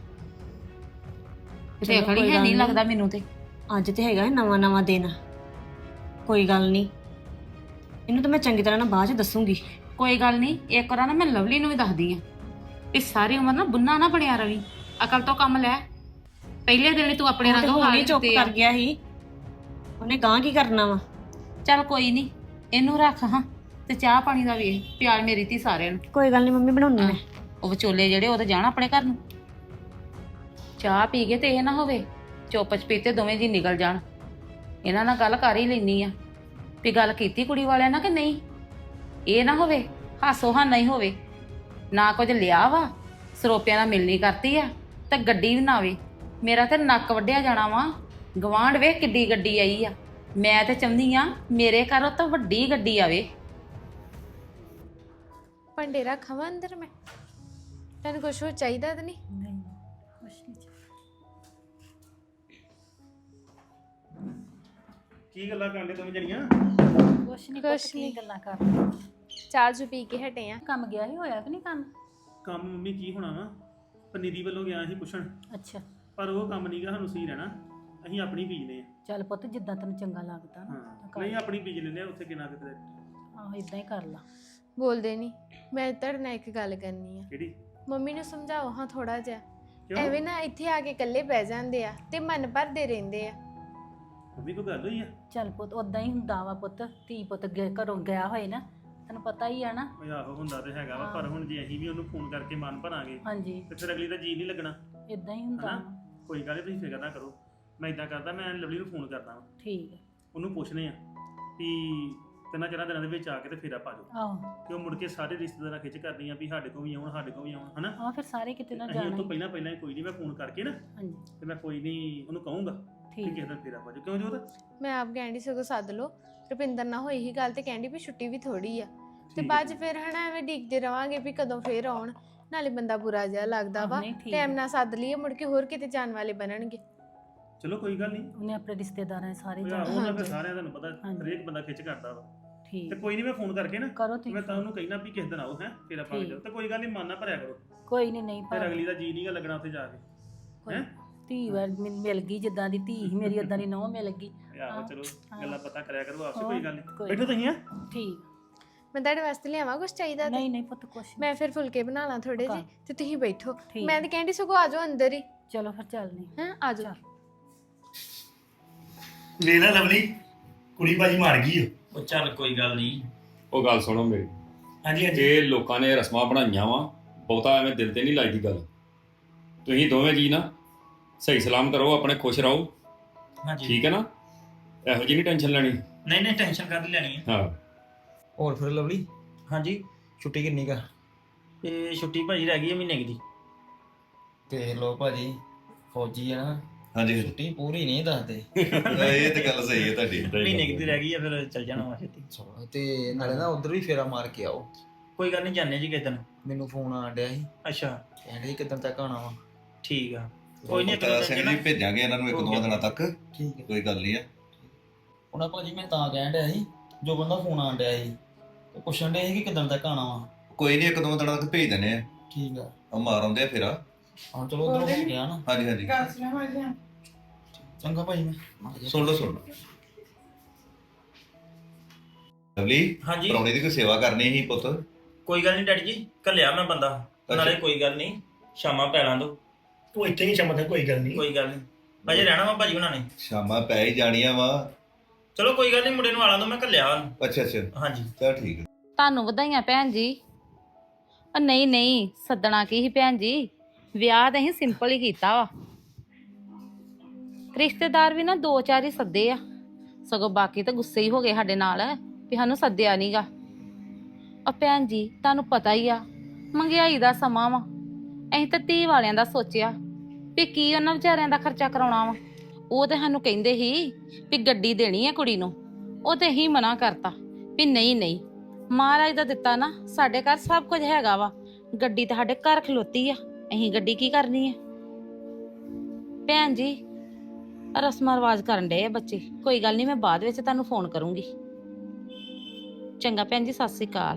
ਤੇ
ਚਲੋ
ਖੜੀ
ਕੋਈ
ਹੈ
ਗੱਲ
ਨਹੀਂ
ਨੀ।
ਲੱਗਦਾ ਮੈਨੂੰ ਤੇ।
ਅੱਜ ਤੇ ਹੈਗਾ ਨਵਾਂ ਦਿਨ। ਕੋਈ ਗੱਲ ਨਹੀਂ, ਇਹਨੂੰ ਤਾਂ ਮੈਂ ਚੰਗੀ ਤਰ੍ਹਾਂ ਨਾਲ ਬਾਅਦ ਚ ਦੱਸੂਗੀ।
ਕੋਈ ਗੱਲ ਨਹੀਂ, ਇੱਕ ਵਾਰ ਨਾ ਮੈਂ ਲਵਲੀ ਨੂੰ ਵੀ ਦੱਸਦੀ ਆ ਵੀ ਸਾਰੀ ਉਮਰ ਨਾ ਬੁੰਨਾ ਨਾ ਬਣਿਆ ਰਵੀ, ਅਕਲ ਤੋਂ ਕੰਮ ਲੈ। ਪਹਿਲੇ ਦਿਨ ਹੀ ਤੂੰ ਆਪਣੇ
ਉਹ ਤੇ
ਰੰਗ
ਹੁਣ ਹੀ
ਹਾਲ
ਚੁੱਪ
ਦਿੱਤੇ
ਕਰ
ਆ।
ਗਿਆ ਸੀ। ਉਹਨੇ ਗਾਂ ਕੀ ਕਰਨਾ ਵਾ।
ਚੱਲ ਕੋਈ ਨਹੀਂ, ਇਹਨੂੰ ਰੱਖ ਹਾਂ ਤੇ ਚਾਹ ਪਾਣੀ ਦਾ ਵੇਖ ਪਿਆਲ ਮੇਰੀ ਧੀ ਸਾਰਿਆਂ ਨੂੰ।
ਕੋਈ ਗੱਲ ਨਹੀਂ ਮੰਮੀ, ਬਣਾਉਣੀ ਮੈਂ।
ਉਹ ਵਿਚੋਲੇ ਜਿਹੜੇ ਉਹ ਤਾਂ ਜਾਣ ਆਪਣੇ ਘਰ ਨੂੰ। ਚਾਹ ਪੀ ਕੇ ਤੇ ਇਹ ਨਾ ਹੋਵੇ ਚੁੱਪ ਚਪੀਤੇ ਦੋਵੇਂ ਜੀ ਨਿਕਲ ਜਾਣ। ਇਹਨਾਂ ਨਾਲ ਗੱਲ ਕਰ ਹੀ ਲੈਣੀ ਆ ਵੀ ਗੱਲ ਕੀਤੀ ਕੁੜੀ ਵਾਲਿਆਂ ਨਾਲ ਕਿ ਨਹੀਂ। ਇਹ ਨਾ ਹੋਵੇ ਹਾਸੋ ਹਾਨਾ ਹੀ ਹੋਵੇ, ਨਾ ਕੁਝ ਲਿਆ ਵਾ, ਸਰੋਪਿਆਂ ਨਾਲ ਮਿਲਣੀ ਕਰਤੀ ਆ ਤੇ ਗੱਡੀ ਵੀ ਨਾ ਆਵੇ। ਮੇਰਾ ਤੇ ਨੱਕ ਵੱਢਿਆ ਜਾਣਾ ਵਾ। ਗਵਾਂਢ ਵੇਖ ਕਿੱਡੀ ਗੱਡੀ ਆਈ ਆ। ਮੈਂ ਤੇ ਚਾਹੁੰਦੀ ਆ ਮੇਰੇ ਘਰੋਂ ਤਾਂ ਵੱਡੀ ਗੱਡੀ ਆਵੇ।
ਭਾਂਡੇ ਰੱਖਾਂ ਅੰਦਰ ਮੈਂ? ਤੈਨੂੰ ਕੁਛ ਹੋਰ ਚਾਹੀਦਾ ਤਾਂ ਨਹੀਂ?
ਕੀ ਗੱਲਾਂ ਕਰਦੇ ਤੁਸੀਂ ਜਣੀਆਂ?
ਕੁਛ ਨਹੀਂ
ਕੁਛ
ਕੀ
ਨੀ।
ਗੱਲਾਂ ਕਰ।
ਚਾਹ ਚੂ ਪੀ ਕੇ ਹਟੇ ਆ।
ਕੰਮ ਗਿਆ ਹੀ ਹੋਇਆ ਕਿ ਨਹੀਂ ਕੰਮ?
ਕੰਮ ਮੰਮੀ ਕੀ ਹੋਣਾ ਵਾ, ਪਨੀਰੀ ਵੱਲੋਂ ਗਿਆ ਸੀ ਪੁੱਛਣ,
ਅੱਛਾ
ਪਰ ਉਹ ਕੰਮ ਨਹੀਂਗਾ ਸਾਨੂੰ ਸਹੀ ਰਹਿਣਾ। ਅਸੀਂ ਆਪਣੀ ਬੀਜਦੇ ਆ।
ਚੱਲ ਪੁੱਤ, ਜਿੱਦਾਂ ਤੈਨੂੰ ਚੰਗਾ ਲੱਗਦਾ ਨਾ
ਹਾਂ,
ਕਰ।
ਨਹੀਂ ਆਪਣੀ ਬੀਜ ਲੈਂਦੇ ਆ ਉੱਥੇ ਕਿੰਨਾ ਕਿਤੇ।
ਆਹੋ ਇਦਾਂ ਹੀ ਕਰ ਲਾ।
ਬੋਲਦੇ ਨਹੀਂ। ਮੈਂ ਤੁਹਾਡੇ ਨਾਲ ਇੱਕ ਗੱਲ ਕਰਨੀ ਆ।
ਕਿਹੜੀ?
ਮੰਮੀ ਨੂੰ ਸਮਝਾਓ ਹਾਂ ਥੋੜਾ ਜਿਹਾ।
ਕਿਉਂ?
ਐਵੇਂ ਨਾ ਇੱਥੇ ਆ ਕੇ ਇਕੱਲੇ ਬਹਿ ਜਾਂਦੇ ਆ ਤੇ ਮਨ ਭਰਦੇ ਰਹਿੰਦੇ ਆ।
ਮੰਮੀ ਕੋਈ ਗੱਲ ਹੋਈ ਆ?
ਚੱਲ ਪੁੱਤ, ਉਦਾਂ ਹੀ ਹੁੰਦਾ ਵਾ ਪੁੱਤ। ਧੀ ਪੁੱਤ ਘਰੋਂ ਗਿਆ ਹੋਏ ਨਾ, ਤੈਨੂੰ ਪਤਾ ਹੀ ਆ ਨਾ।
ਉਹ ਆਹੋ ਹੁੰਦਾ ਤੇ ਹੈਗਾ ਵਾ, ਪਰ ਹੁਣ ਜੇ ਅਸੀਂ ਵੀ ਉਹਨੂੰ ਫੋਨ ਕਰਕੇ ਮਨ ਭਰਾਂਗੇ
ਹਾਂਜੀ,
ਤੇ ਫਿਰ ਅਗਲੀ ਦਾ ਜੀ ਨਹੀਂ ਲੱਗਣਾ।
ਇਦਾਂ ਹੀ ਹੁੰਦਾ
ਹਨਾ?
ਵਾ।
ਕੋਈ ਗੱਲ ਨੀ, ਤੁਸੀਂ ਫਿਕਰ ਨਾ ਕਰੋ। ਮੈਂ ਇਦਾਂ ਕਰਦਾ, ਮੈਂ ਲਵਲੀ ਨੂੰ ਫੋਨ ਕਰਦਾ ਵਾ,
ਠੀਕ ਹੈ।
ਉਹਨੂੰ ਪੁੱਛਨੇ ਆ ਵੀ ਤਿੰਨਾਂ ਚਾਰਾਂ ਦਿਨਾਂ ਦੇ ਵਿੱਚ ਆ ਕੇ ਤੇ ਫੇਰ ਆਪਾਂ ਜਾਓ।
ਆਹੋ
ਕਿ ਉਹ ਮੁੜ ਕੇ ਸਾਰੇ ਰਿਸ਼ਤੇਦਾਰਾਂ ਖਿੱਚ ਕਰਦੀਆਂ ਵੀ ਸਾਡੇ ਕੋਲ ਵੀ ਆਉਣ, ਸਾਡੇ ਕੋਲ ਵੀ ਆਉਣ, ਹਨਾ?
ਆ ਫਿਰ ਸਾਰੇ ਕਿਤੇ ਨਾ
ਅਸੀਂ ਉਹ
ਜਾਣਾ
ਤੋਂ
ਹੀ।
ਪਹਿਲਾਂ ਹੀ ਕੋਈ ਨਹੀਂ, ਮੈਂ ਫੋਨ ਕਰਕੇ ਨਾ
ਹਾਂਜੀ
ਤੇ ਮੈਂ ਕੋਈ ਨਹੀਂ ਉਹਨੂੰ ਕਹੂੰਗਾ ਕਿ
ਠੀਕ
ਕਿਸੇ ਦਿਨ ਫੇਰ ਆਪਾਂ ਜਾਓ। ਕਿਉਂ ਜੋਤ?
ਮੈਂ ਆਪ ਕਹਿੰਦੀ ਸਗੋਂ ਸੱਦ ਲਓ। ਰੁਪਿੰਦਰ ਨਾਲ ਹੋਈ ਹੀ ਗੱਲ ਤੇ ਕਹਿੰਦੀ ਵੀ ਛੁੱਟੀ ਵੀ ਥੋੜੀ ਆ ਤੇ
ਠੀਕ
ਬਾਅਦ ਚ ਫਿਰ ਹਨਾ ਐਵੇਂ ਡੀਕਦੇ ਰਵਾਂਗੇ ਵੀ ਕਦੋਂ ਫੇਰ ਆਉਣ। ਨਾਲੇ ਬੰਦਾ ਬੁਰਾ ਜਿਹਾ ਲੱਗਦਾ ਵਾ।
ਨਹੀਂ, ਠੀਕ
ਟਾਈਮ
ਹੈ।
ਨਾਲ ਸੱਦ ਲਈਏ, ਮੁੜ ਕੇ ਹੋਰ ਕਿਤੇ ਜਾਣ ਵਾਲੇ ਬਣਨਗੇ।
ਚਲੋ ਕੋਈ ਗੱਲ ਨਹੀਂ।
ਉਹਨੇ ਆਪਣੇ ਰਿਸ਼ਤੇਦਾਰਾਂ ਦੇ ਸਾਰੇ
ਉਹ
ਜਾਣਾ।
ਉਹਨਾਂ ਫਿਰ
ਹਾਂਜੀ।
ਸਾਰਿਆਂ ਤੁਹਾਨੂੰ ਪਤਾ
ਹਾਂਜੀ।
ਹਰੇਕ ਬੰਦਾ ਖਿੱਚ ਕਰਦਾ ਵਾ। ਤੇ
ਠੀਕ
ਕੋਈ ਨਹੀਂ, ਮੈਂ ਫੋਨ ਕਰਕੇ ਨਾ
ਕਰੋ ਤੁਸੀਂ
ਮੈਂ ਤਾਂ ਉਹਨੂੰ ਕਹਿਣਾ ਵੀ ਕਿਸੇ ਦਿਨ ਆਓ ਹੈ ਫੇਰ ਆਪਾਂ
ਠੀਕ।
ਜਾਓ। ਤੇ ਕੋਈ ਗੱਲ ਨਹੀਂ, ਮਨ ਨਾ ਭਰਿਆ ਕਰੋ,
ਕੋਈ ਨਹੀਂ
ਫਿਰ ਅਗਲੀ ਦਾ ਜੀ ਨਹੀਂਗਾ ਲੱਗਣਾ ਉੱਥੇ ਜਾ ਕੇ।
ਕੋਈ
ਹੈਂ?
ਧੀ ਮਿਲ ਗਈ, ਜਿੱਦਾਂ ਦੀ ਧੀ ਸੀ ਮੇਰੀ ਉਦਾਂ ਦੀ ਨਹੁੰ ਮਿਲ ਗਈ।
ਆਹੋ ਚਲੋ
ਹਾਂ।
ਗੱਲਾਂ ਪਤਾ ਕਰਿਆ ਕਰੋ ਆਪਸੇ,
ਹੋਰ,
ਕੋਈ ਗੱਲ ਨਹੀਂ।
ਕੋਈ
ਬੈਠੋ ਤੁਸੀਂ ਆ।
ਠੀਕ।
ਮੈਂ ਤੁਹਾਡੇ ਵਾਸਤੇ ਲਿਆਵਾਂ ਕੁਝ ਚਾਹੀਦਾ ਤੇ?
ਨਹੀਂ ਨਹੀਂ ਪੁੱਤ, ਕੁਛ ਨੀ।
ਮੈਂ ਫਿਰ ਫੁਲਕੇ ਬਣਾ ਲਾਂ ਥੋੜੇ ਜਿਹੇ ਤੇ ਤੁਸੀਂ ਬੈਠੋ।
ਠੀਕ।
ਮੈਂ ਤਾਂ ਕਹਿੰਦੀ ਸਗੋਂ ਆ ਜਾਓ ਅੰਦਰ ਹੀ।
ਚਲੋ ਫਿਰ ਚੱਲਦੇ ਹਾਂ।
ਹਾਂ ਆ ਜਾਓ।
ਵੇਖ ਲੈ ਲਵਲੀ, ਕੁੜੀ ਬਾਜੀ ਮਾਰ ਗਈ ਓ।
ਉਹ ਚੱਲ ਕੋਈ ਗੱਲ ਨਹੀਂ।
ਉਹ ਗੱਲ ਸੁਣੋ ਮੇਰੀ,
ਹਾਂਜੀ ਹਾਂਜੀ।
ਜੇ ਲੋਕਾਂ ਨੇ ਰਸਮਾਂ ਬਣਾਈਆਂ ਵਾ, ਬਹੁਤਾ ਐਵੇਂ ਦਿਲ ਤੇ ਨਹੀਂ ਲਾਈਦੀ ਗੱਲ। ਤੁਸੀਂ ਦੋਵੇਂ ਜੀ ਨਾ ਸਹੀ ਸਲਾਮਤ ਰਹੋ, ਆਪਣੇ ਖੁਸ਼ ਰਹੋ,
ਹਾਂਜੀ
ਠੀਕ ਹੈ ਨਾ? ਇਹੋ ਜਿਹੀ ਨਹੀਂ ਟੈਨਸ਼ਨ ਲੈਣੀ।
ਨਹੀਂ ਨਹੀਂ, ਟੈਨਸ਼ਨ ਕਾਹਦੀ ਲੈਣੀ ਹੈ।
ਹਾਂ,
ਹੋਰ ਫਿਰ ਲਵਲੀ? ਹਾਂਜੀ
ਛੁੱਟੀ ਕਿੰਨੀ ਕਾ?
ਇਹ ਛੁੱਟੀ ਭਾਜੀ ਰਹਿ ਗਈ ਹੈ ਮਹੀਨੇ ਕੁ ਦੀ।
ਤੇ ਲੋ ਭਾਜੀ ਫੌਜੀ ਆ ਨਾ,
ਹਾਂਜੀ
ਛੁੱਟੀ ਪੂਰੀ ਨਹੀਂ ਦੱਸਦੇ।
ਇਹ ਤੇ ਗੱਲ ਸਹੀ ਹੈ ਤੁਹਾਡੀ।
ਮਹੀਨੇ ਕੁ ਦੀ ਰਹਿ ਗਈ ਹੈ, ਫਿਰ ਚੱਲ ਜਾਣਾ ਵਾ ਛੇਤੀ।
ਤੇ ਨਾਲੇ ਨਾ ਉਧਰ ਵੀ ਫੇਰਾ ਮਾਰ ਕੇ ਆਓ।
ਕੋਈ ਗੱਲ ਨਹੀਂ, ਜਾਂਦੇ ਜੀ ਕਿਸੇ ਦਿਨ।
ਮੈਨੂੰ ਫੋਨ ਆਣ ਡਿਆ ਸੀ,
ਅੱਛਾ
ਕਹਿੰਦੇ ਕਿਦਾਂ ਤੱਕ ਆਉਣਾ ਵਾ।
ਠੀਕ ਆ, ਕੋਈ ਨਹੀਂ
ਤਾਂ ਸਿੰਘ ਜੀ ਭੇਜਾਂਗੇ ਇਹਨਾਂ ਨੂੰ ਇੱਕ ਦੋ ਦਿਨਾਂ ਤੱਕ।
ਠੀਕ ਹੈ।
ਕੋਈ ਗੱਲ ਨਹੀਂ ਆ।
ਉਹਨਾਂ ਭਾਜੀ ਮੈਂ ਤਾਂ ਕਹਿਣ ਡਿਆ ਸੀ, ਜੋ ਬੰਦਾ ਫੋਨ ਆਣ ਡਿਆ ਸੀ ਤੇ ਪੁੱਛਣ ਡਿਆ ਸੀ ਕਿ ਕਿਦਾਂ ਤੱਕ ਆਉਣਾ ਵਾ।
ਕੋਈ ਨਹੀਂ, ਇੱਕ ਦੋ ਦਿਨਾਂ ਤੱਕ ਭੇਜ ਦਿੰਦੇ ਆ।
ਠੀਕ ਆ,
ਉਹ ਮਾਰ ਆਉਂਦੇ ਆ ਫੇਰਾ।
ਹਾਂ ਚਲੋ ਉਧਰੋਂ ਹੋ ਗਿਆ ਨਾ।
ਹਾਂਜੀ ਹਾਂਜੀ
ਚੰਗਾ ਭਾਜੀ ਮੈਂ
ਸੁਣ ਲਓ ਲਵਲੀ।
ਹਾਂਜੀ
ਪਰੌਣੇ ਦੀ ਕੋਈ ਸੇਵਾ ਕਰਨੀ ਸੀ ਪੁੱਤ।
ਕੋਈ ਗੱਲ ਨਹੀਂ ਡੈਡੀ ਜੀ, ਘੱਲਿਆ ਮੈਂ ਬੰਦਾ। ਨਾਲੇ ਕੋਈ ਗੱਲ ਨਹੀਂ, ਸ਼ਾਮਾਂ ਪੈ ਲਾਂ ਦੋ।
ਤੂੰ ਇੱਥੇ ਹੀ ਸ਼ਮਤ ਹੈ, ਕੋਈ ਗੱਲ ਨਹੀਂ।
ਕੋਈ ਗੱਲ ਨਹੀਂ, ਅਜੇ ਰਹਿਣਾ ਵਾ ਭਾਜੀ ਉਹਨਾਂ ਨੇ।
ਸ਼ਾਮਾਂ ਪੈ ਹੀ ਜਾਣੀਆਂ ਵਾ।
ਚਲੋ ਕੋਈ ਗੱਲ ਨਹੀਂ, ਮੁੰਡੇ ਨੂੰ ਆਲਾਂ ਦੋ, ਮੈਂ ਘੱਲਿਆ ਉਹਨੂੰ।
ਅੱਛਾ ਅੱਛਾ
ਹਾਂਜੀ
ਚਲ ਠੀਕ ਹੈ।
ਤੁਹਾਨੂੰ ਵਧਾਈਆਂ ਭੈਣ ਜੀ। ਨਹੀਂ ਨਹੀਂ, ਸੱਦਣਾ ਕੀ ਸੀ ਭੈਣ ਜੀ, ਵਿਆਹ ਤਾਂ ਅਸੀਂ ਸਿੰਪਲ ਹੀ ਕੀਤਾ ਵਾ। ਰਿਸ਼ਤੇਦਾਰ ਵੀ ਨਾ 2-4 ਹੀ ਸੱਦੇ ਆ, ਸਗੋਂ ਬਾਕੀ ਤਾਂ ਗੁੱਸੇ ਹੀ ਹੋ ਗਏ ਸਾਡੇ ਨਾਲ ਵੀ ਸਾਨੂੰ ਸੱਦਿਆ ਨਹੀਂਗਾ। ਆ ਭੈਣ ਜੀ ਤੁਹਾਨੂੰ ਪਤਾ ਹੀ ਆ, ਮਹਿੰਗਾਈ ਦਾ ਸਮਾਂ ਵਾ। ਅਸੀਂ ਤਾਂ ਧੀ ਵਾਲਿਆਂ ਦਾ ਸੋਚਿਆ ਵੀ ਕੀ ਉਹਨਾਂ ਵਿਚਾਰਿਆਂ ਦਾ ਖਰਚਾ ਕਰਾਉਣਾ ਵਾ। ਉਹ ਤੇ ਸਾਨੂੰ ਕਹਿੰਦੇ ਸੀ ਵੀ ਗੱਡੀ ਦੇਣੀ ਆ ਕੁੜੀ ਨੂੰ, ਉਹ ਤੇ ਹੀ ਮਨਾ ਕਰਤਾ ਵੀ ਨਹੀਂ ਨਹੀਂ, ਮਹਾਰਾਜ ਦਾ ਦਿੱਤਾ ਨਾ, ਸਾਡੇ ਘਰ ਸਭ ਕੁਝ ਹੈਗਾ ਵਾ। ਗੱਡੀ ਤਾਂ ਸਾਡੇ ਘਰ ਖਲੋਤੀ ਆ, ਅਸੀਂ ਗੱਡੀ ਕੀ ਕਰਨੀ ਆ। ਭੈਣ ਜੀ ਰਸਮਾਂ ਰਿਵਾਜ ਕਰਨ ਡਏ ਆ ਬੱਚੇ, ਕੋਈ ਗੱਲ ਨਹੀਂ, ਮੈਂ ਬਾਅਦ ਵਿੱਚ ਤੁਹਾਨੂੰ ਫੋਨ ਕਰੂੰਗੀ। ਚੰਗਾ ਭੈਣ ਜੀ, ਸਤਿ ਸ੍ਰੀ ਅਕਾਲ।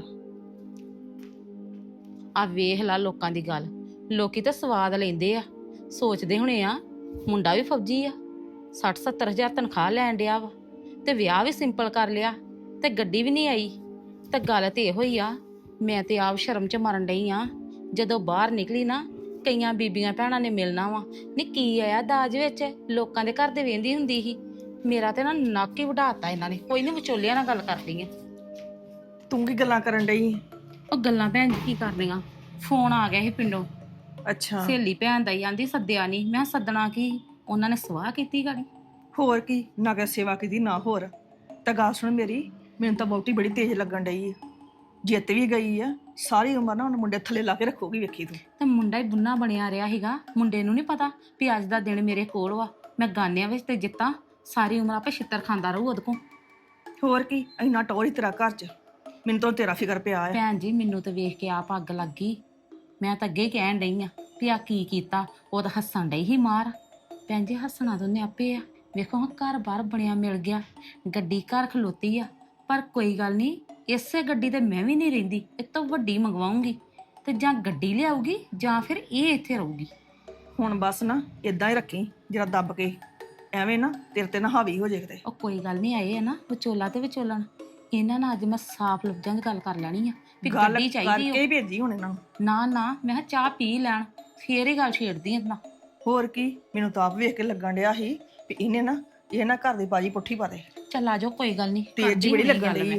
ਆ ਵੇਖ ਲਾ ਲੋਕਾਂ ਦੀ ਗੱਲ, ਲੋਕੀ ਤਾਂ ਸਵਾਦ ਲੈਂਦੇ ਆ, ਸੋਚਦੇ ਹੁਣੇ ਆ ਮੁੰਡਾ ਵੀ ਫੌਜੀ ਆ, 60-70 ਹਜ਼ਾਰ ਤਨਖਾਹ ਲੈਣ ਡਿਆ ਵਾ, ਤੇ ਵਿਆਹ ਵੀ ਸਿੰਪਲ ਕਰ ਲਿਆ, ਤੇ ਗੱਡੀ ਵੀ ਨਹੀਂ ਆਈ। ਤੇ ਗੱਲ ਤੇ ਇਹੋ ਹੀ ਆ, ਮੈਂ ਤੇ ਆਪ ਸ਼ਰਮ 'ਚ ਮਰਨ ਡਈ ਆ। ਜਦੋਂ ਬਾਹਰ ਨਿਕਲੀ ਨਾ, ਕਈਆਂ ਬੀਬੀਆਂ ਭੈਣਾਂ ਨੇ ਮਿਲਣਾ ਵਾ, ਨੀ ਕੀ ਆਇਆ ਦਾਜ ਵਿੱਚ, ਲੋਕਾਂ ਦੇ ਘਰ ਦੇ ਵੇਂਦੀ ਹੁੰਦੀ ਸੀ। ਮੇਰਾ ਤੇ ਨਾ ਨੱਕ ਹੀ ਵਢਾਤਾ ਇਹਨਾਂ ਨੇ। ਕੋਈ ਨਹੀਂ, ਵਿਚੋਲਿਆਂ ਨਾਲ ਗੱਲ ਕਰਦੀ ਆ।
ਤੂੰ ਕੀ ਗੱਲਾਂ ਕਰਨ ਡਈ?
ਉਹ ਗੱਲਾਂ ਭੈਣ ਜੀ ਕੀ ਕਰਦੀਆਂ, ਫੋਨ ਆ ਗਿਆ ਸੀ ਪਿੰਡੋਂ।
ਅੱਛਾ,
ਸਹੇਲੀ ਭੈਣ ਦਾ ਹੀ ਆਂਦੀ ਸੱਦਿਆ ਨਹੀਂ। ਮੈਂ ਸੱਦਣਾ ਕੀ, ਉਹਨਾਂ ਨੇ ਸਵਾਹ ਕੀਤੀ ਗਾੜੀ।
ਹੋਰ ਕੀ, ਨਾ ਕਿ ਸੇਵਾ ਕੀਤੀ ਨਾ ਹੋਰ। ਤਾਂ ਗੱਲ ਸੁਣ ਮੇਰੀ, ਮੈਨੂੰ ਤਾਂ ਬਹੁਤੀ ਬੜੀ ਤੇਜ਼ ਲੱਗਣ ਡਈ ਹੈ। ਜਿੱਤ ਵੀ ਗਈ ਆ, ਸਾਰੀ ਉਮਰ ਨਾ ਉਹਨੂੰ ਮੁੰਡੇ ਥੱਲੇ ਲਾ ਕੇ ਰੱਖੋਗੀ, ਵੇਖੀ ਤੂੰ।
ਤੇ ਮੁੰਡਾ ਹੀ ਬੁੰਨਾ ਬਣਿਆ ਰਿਹਾ ਸੀਗਾ, ਮੁੰਡੇ ਨੂੰ ਨਹੀਂ ਪਤਾ ਵੀ ਅੱਜ ਦਾ ਦਿਨ ਮੇਰੇ ਕੋਲ ਵਾ, ਮੈਂ ਗਾਨਿਆਂ ਵਿੱਚ ਤੇ ਜਿੱਤਾਂ, ਸਾਰੀ ਉਮਰ ਆਪੇ ਛਿੱਤਰ ਖਾਂਦਾ ਰਹੂ ਉਹਦੇ ਕੋਲ।
ਹੋਰ ਕੀ, ਇੰਨਾ ਟੌਰ ਹੀ ਤੇਰਾ ਘਰ 'ਚ, ਮੈਨੂੰ ਤਾਂ ਤੇਰਾ ਫਿਕਰ ਪਿਆ ਹੈ।
ਭੈਣ ਜੀ ਮੈਨੂੰ ਤਾਂ ਵੇਖ ਕੇ ਆਪ ਅੱਗ ਲੱਗ ਗਈ। ਮੈਂ ਤਾਂ ਅੱਗੇ ਹੀ ਕਹਿਣ ਡਈ ਆ ਵੀ ਆ ਕੀ ਕੀਤਾ। ਉਹ ਤਾਂ ਹੱਸਣ ਡਈ ਹੀ ਮਾਰ। ਭੈਣ ਜੀ ਹੱਸਣਾ ਤਾਂ ਉਹਨੇ ਆਪੇ ਆ। ਵੇਖੋ ਹਾਂ, ਘਰ ਬਾਹਰ ਬਣਿਆ ਮਿਲ ਗਿਆ, ਗੱਡੀ ਘਰ ਖਲੋਤੀ ਆ, ਪਰ ਕੋਈ ਗੱਲ ਨਹੀਂ, ਇਸੇ ਗੱਡੀ ਤੇ ਮੈਂ ਵੀ ਨਹੀਂ ਰਹਿੰਦੀ, ਇਹ ਤੋਂ ਵੱਡੀ ਮੰਗਵਾਉਂਗੀ, ਤੇ ਜਾਂ ਗੱਡੀ ਲਿਆਊਗੀ ਜਾਂ ਫਿਰ ਇਹ ਇੱਥੇ ਰਹੂਗੀ।
ਹੁਣ ਬਸ ਨਾ ਇਦਾਂ ਹੀ ਰੱਖੀ, ਜਰਾ ਦੱਬ ਕੇ, ਐਵੇਂ ਨਾ ਤੇਰੇ ਤੇ ਨਾ ਹਾਵੀ ਹੋ ਜੇ ਕਿਤੇ।
ਉਹ ਕੋਈ ਗੱਲ ਨਹੀਂ, ਆਏ ਆ ਨਾ ਵਿਚੋਲਾ ਤੇ ਵਿਚੋਲਣ, ਇਹਨਾਂ ਨਾਲ ਅੱਜ ਮੈਂ ਸਾਫ਼ ਲਫ਼ਜ਼ਾਂ 'ਚ ਗੱਲ ਕਰ ਲੈਣੀ ਆ ਵੀ
ਗੱਲ
ਗੱਡੀ ਚਾਹੀਦੀ
ਕਰਕੇ ਹੀ ਭੇਜੀ ਹੁਣ ਇਹਨਾਂ ਨੂੰ।
ਨਾ ਮੈਂ ਕਿਹਾ ਚਾਹ ਪੀ ਲੈਣ, ਫੇਰ ਹੀ ਗੱਲ ਛੇੜਦੀ ਇਹਨਾਂ।
ਹੋਰ ਕੀ, ਮੈਨੂੰ ਤਾਂ ਆਪ ਵੇਖ ਕੇ ਲੱਗਣ ਡਿਆ ਸੀ ਵੀ ਇਹਨੇ ਨਾ ਇਹ ਨਾ ਘਰ ਦੀ ਬਾਜੀ ਪੁੱਠੀ ਪਾ ਦੇ।
ਚੱਲ ਆ ਜਾਓ, ਕੋਈ ਗੱਲ ਨਹੀਂ,
ਤੇਜ਼ ਜੀ ਬੜੀ ਲੱਗਣ ਡਈ।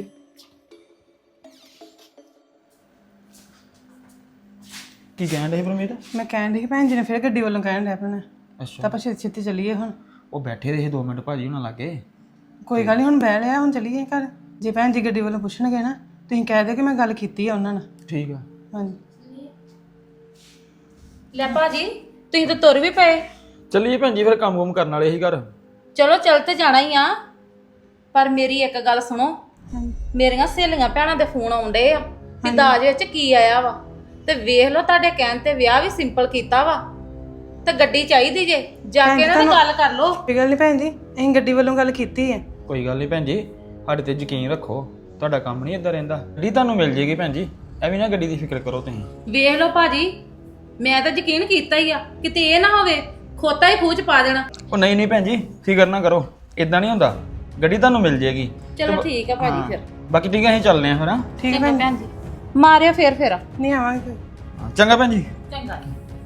ਕੀ ਕਹਿਣ ਡਏ ਪਰਮੀਤ?
ਮੈਂ ਕਹਿਣ ਡਈ ਕਿ ਭੈਣ ਜੀ ਨੇ ਫਿਰ ਗੱਡੀ ਵੱਲੋਂ ਕਹਿਣ ਡਿਆ ਆਪਣਾ,
ਅੱਛਾ,
ਤਾਂ ਆਪਾਂ ਛੇਤੀ ਛੇਤੀ ਚੱਲੀਏ ਹੁਣ।
ਉਹ ਬੈਠੇ ਰਹੇ 2 ਮਿੰਟ ਭਾਜੀ ਉਹਨਾਂ ਲਾਗੇ।
ਕੋਈ ਗੱਲ ਨਹੀਂ, ਹੁਣ ਬਹਿ ਲਿਆ, ਹੁਣ ਚੱਲੀਏ ਘਰ। ਜੇ ਭੈਣ ਜੀ ਗੱਡੀ ਵੱਲੋਂ ਪੁੱਛਣਗੇ ਨਾ, ਤੁਸੀਂ ਕਹਿ ਦਿਓ ਕਿ ਮੈਂ ਗੱਲ ਕੀਤੀ ਆ ਉਹਨਾਂ ਨਾਲ।
ਠੀਕ ਆ।
ਹਾਂਜੀ
ਲੈ ਭਾਜੀ, ਤੁਸੀਂ ਤਾਂ ਤੁਰ ਵੀ ਪਏ।
ਚੱਲੀਏ ਭੈਣ ਜੀ, ਫਿਰ ਕੰਮ ਕਰਨ ਵਾਲੇ ਸੀ ਘਰ।
ਚਲੋ ਚੱਲ ਤੇ ਜਾਣਾ ਹੀ ਆ, ਪਰ ਮੇਰੀ ਇੱਕ ਗੱਲ ਸੁਣੋ, ਮੇਰੀਆਂ ਸਹੇਲੀਆਂ ਭੈਣਾਂ ਦੇ ਫੋਨ ਆਉਂਦੇ ਆ ਵੀ ਦਾਜ ਵਿੱਚ ਕੀ ਆਇਆ ਵਾ, ਤੇ ਵੇਖ ਲਓ ਤੁਹਾਡੇ ਕਹਿਣ ਤੇ ਵਿਆਹ ਵੀ ਸਿੰਪਲ ਕੀਤਾ ਵਾ, ਤੇ ਗੱਡੀ ਚਾਹੀਦੀ ਜੇ, ਜਾ ਕੇ ਇਹਨਾਂ ਦੀ ਗੱਲ ਕਰ ਲਓ।
ਕੋਈ ਗੱਲ ਨਹੀਂ ਭੈਣ ਜੀ, ਅਸੀਂ ਗੱਡੀ ਵੱਲੋਂ ਗੱਲ ਕੀਤੀ ਹੈ।
ਕੋਈ ਗੱਲ ਨਹੀਂ ਭੈਣ ਜੀ, ਸਾਡੇ ਤੇ ਯਕੀਨ ਰੱਖੋ, ਤੁਹਾਡਾ ਕੰਮ ਨਹੀਂ ਏਦਾਂ ਰਹਿੰਦਾ। ਗੱਡੀ ਤੁਹਾਨੂੰ ਮਿਲ ਜੇਗੀ ਭੈਣ ਜੀ, ਐਵੇਂ ਨਾ ਗੱਡੀ ਦੀ ਫਿਕਰ ਕਰੋ ਤੁਸੀਂ।
ਵੇਖ ਲਓ ਭਾਜੀ, ਮੈਂ ਤਾਂ ਯਕੀਨ ਕੀਤਾ ਹੀ ਆ, ਕਿਤੇ ਇਹ ਨਾ ਹੋਵੇ ਖੋਤਾ ਹੀ ਖੂਚ ਪਾ ਦੇਣਾ।
ਉਹ ਨਹੀਂ ਭੈਣ ਜੀ, ਫਿਕਰ ਨਾ ਕਰੋ, ਇਦਾਂ ਨਹੀਂ ਹੁੰਦਾ, ਗੱਡੀ ਤੁਹਾਨੂੰ ਮਿਲ ਜੇਗੀ।
ਚਲੋ ਠੀਕ ਆ ਭਾਜੀ, ਫਿਰ
ਬਾਕੀ ਠੀਕ ਹੈ, ਅਸੀਂ ਚੱਲਦੇ ਹਾਂ ਫਿਰ। ਹਾਂ
ਠੀਕ ਹੈ
ਭੈਣ ਜੀ, ਮਾਰਿਓ ਫੇਰ
ਨਹੀਂ ਆਵਾਂਗੇ।
ਚੰਗਾ ਭੈਣ ਜੀ।
ਚੰਗਾ।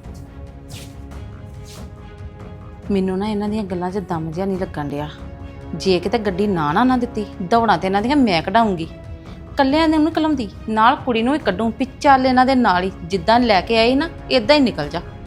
ਮੈਨੂੰ ਨਾ ਇਹਨਾਂ ਦੀਆਂ ਗੱਲਾਂ 'ਚ ਦਮ ਜਿਹਾ ਨਹੀਂ ਲੱਗਣ ਡਿਆ। ਜੇ ਕਿਤੇ ਗੱਡੀ ਨਾ ਦਿੱਤੀ, ਦੌੜਾਂ ਤੇ ਇਹਨਾਂ ਦੀਆਂ ਮੈਂ ਕਢਾਉਂਗੀ। ਕੱਲਿਆਂ ਨੇ ਉਹਨੂੰ ਕਲਮਦੀ, ਨਾਲ ਕੁੜੀ ਨੂੰ ਵੀ ਕੱਢੂ, ਵੀ ਚੱਲ ਇਹਨਾਂ ਦੇ ਨਾਲ ਹੀ ਜਿੱਦਾਂ ਲੈ ਕੇ ਆਏ ਨਾ ਇਦਾਂ ਹੀ ਨਿਕਲ ਜਾ।